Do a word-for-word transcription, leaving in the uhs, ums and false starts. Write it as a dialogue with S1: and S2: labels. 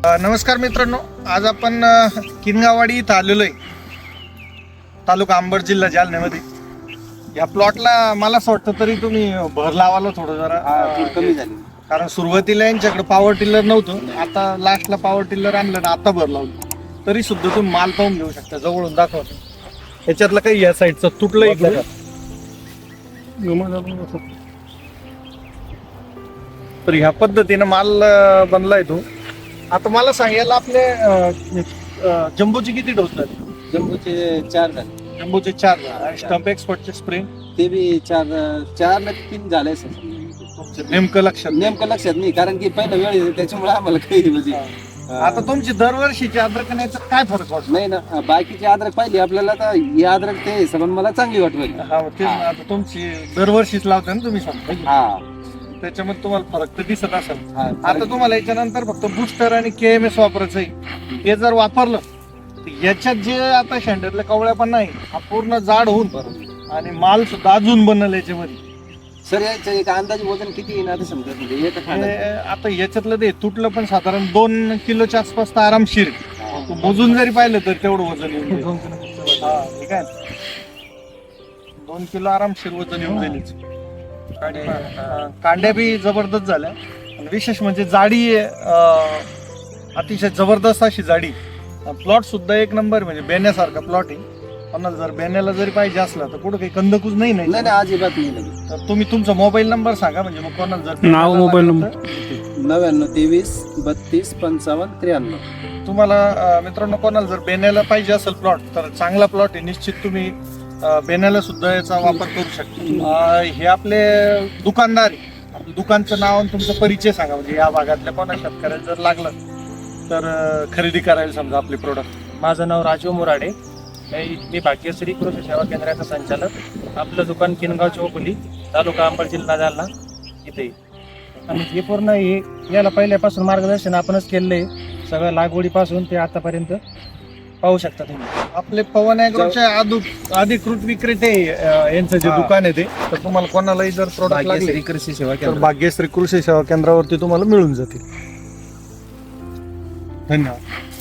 S1: नमस्कार मित्रांनो, आज आपण अ, किनगाववाडी इथं आलेलो आहे, तालुका अंबड, जिल्हा जालन्यामध्ये. या प्लॉटला मला असं वाटतं तरी तुम्ही भर लावायला थोडं जरा
S2: थोडं कमी झाली.
S1: कारण सुरुवातीला यांच्याकडे पॉवर टिलर नव्हतं, आता लास्टला पॉवर टिलर आणलं ना, आता भर लावलं तरी सुद्धा तुम्ही माल पाहून घेऊ शकता. जवळून दाखवतो याच्यातलं काही या साईडचं तुटलं इकडे. तर ह्या पद्धतीनं माल अ, बनलाय तो. आता मला सांगायला आपले अ, अ, जम्बोचे किती डोस झाले?
S2: जम्बोचे चार झाले,
S1: जम्बोचे चार झाले. स्टंप एक्सपर्टचे स्प्रे
S2: ते बी चार चार ना तीन झाले सर.
S1: नेमकं लक्षात नाही.
S2: नेमकं लक्षात नाही, कारण की पहिला वेळ आहे, त्याच्यामुळे आम्हाला काही म्हणजे
S1: आता तुमची दरवर्षीची अद्रक आणि याच्यात काय फरक वाटतो?
S2: नाही ना. बाकीची अद्रक पाहिली आपल्याला, तर ही अद्रक ते हिशोबाने मला चांगली वाटली.
S1: हा, तेच ना. आता तुमची दरवर्षीच लावता ना तुम्ही सांगता,
S2: हा
S1: त्याच्यामध्ये तुम्हाला फरक तर दिसत असेल.
S2: हा
S1: आता तुम्हाला याच्यानंतर फक्त बुस्टर आणि के एम एस वापरायचं आहे. हे जर वापरलं तर याच्यात जे आता शेंड्यातल्या कवळ्या पण नाही, हा पूर्ण जाड होऊन आणि माल सुद्धा अजून बनल याच्यामध्ये.
S2: सर याचं एक अंदाजे वजन किती येईल आता समजा, म्हणजे एका
S1: हे
S2: खाण्यात?
S1: आता याच्यातलं ते तुटलं पण साधारण दोन किलोच्या आसपास तर आरामशीर. तू मोजून जरी पाहिलं तर तेवढं वजन येऊन जाईल. हा, ठीक आहे. दोन किलो आरामशीर वजन येऊन जाईल. हा, कांड्या बी जबरदस्त झाल्या आणि विशेष म्हणजे जाडी अं, अतिशय जबरदस्त अशी जाडी. प्लॉट सुद्धा एक नंबर, म्हणजे बेण्यासारखा प्लॉट आहे. कोणाला जर बेण्याला जरी पाहिजे असला तर कुठं काही कंदकूच नाही
S2: नाही
S1: नाही
S2: नाही, अजिबात नाही लगे.
S1: तर तुम्ही तुमचा मोबाईल नंबर सांगा, म्हणजे मग कोणाला जर
S3: नाव, मोबाईल नंबर.
S2: नव्याण्णव तेवीस बत्तीस पंचावन्न त्र्याण्णव.
S1: तुम्हाला अं, मित्रांनो, कोणाला जर बेण्याला पाहिजे असेल प्लॉट तर चांगला प्लॉट आहे. निश्चित तुम्ही अं, बेण्याला सुद्धा याचा वापर करू शकता. अं, हे आपले दुकानदार आहे. आपलं दुकानचं नाव आणि तुमचा परिचय सांगा, म्हणजे या भागातल्या कोणा शेतकऱ्याला जर लागलं तर अं, खरेदी करायला समजा आपले प्रोडक्ट.
S4: माझं नाव राजू मोराडे. मी मी भाग्यश्री कृषी सेवा केंद्राचा संचालक. आपलं दुकान किनगाव चौकुली, तालुका अंबड, जिल्हा जालना इथे. आणि हे पूर्ण हे याला पहिल्यापासून मार्गदर्शन आपणच केलेलं आहे, सगळं लागवडीपासून ते आतापर्यंत पाहू शकता तुम्ही.
S1: आपले पवन ॲग्रोचे अधि- अधिकृत विक्रेते अं, यांचं जे
S2: हा.
S1: दुकान आहे ते, तर तुम्हाला कोणालाही जर प्रोडक्ट लागले
S2: भाग्यश्री कृषी सेवा
S1: तर
S2: केंद्र.
S1: भाग्यश्री कृषी सेवा केंद्रावरती तुम्हाला मिळून जातील. धन्यवाद.